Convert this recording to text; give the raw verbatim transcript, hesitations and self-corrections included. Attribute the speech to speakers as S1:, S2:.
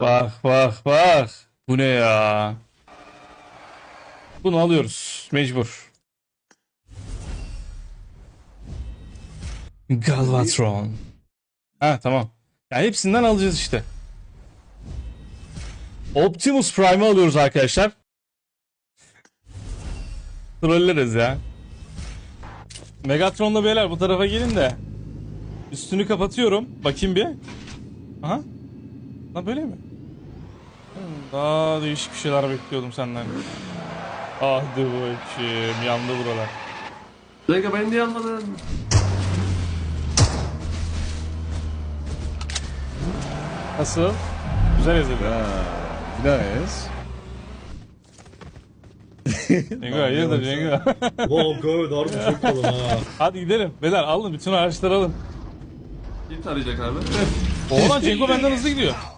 S1: Bak bak bak. Bu ne ya? Bunu alıyoruz. Mecbur. Galvatron. Ha tamam. Yani hepsinden alacağız işte. Optimus Prime'ı alıyoruz arkadaşlar. Trolleriz ya. Megatron'la beyler bu tarafa gelin de. Üstünü kapatıyorum. Bakayım bir. Aha. Lan böyle mi? Hmm, Daha değişik bir şeyler bekliyordum senden. Ah dur bakayım. Yandı buralar.
S2: Dakika beni niye almadın?
S1: Nasıl? Güzel ezildi.
S3: Nice.
S1: Cengo hayırdır Cengo?
S4: Wow evet harbi çok kalın ha.
S1: Hadi gidelim. Beyler alın bütün araçları alın.
S2: Kim tarayacak abi?
S1: Oğlan Cengo benden hızlı gidiyor.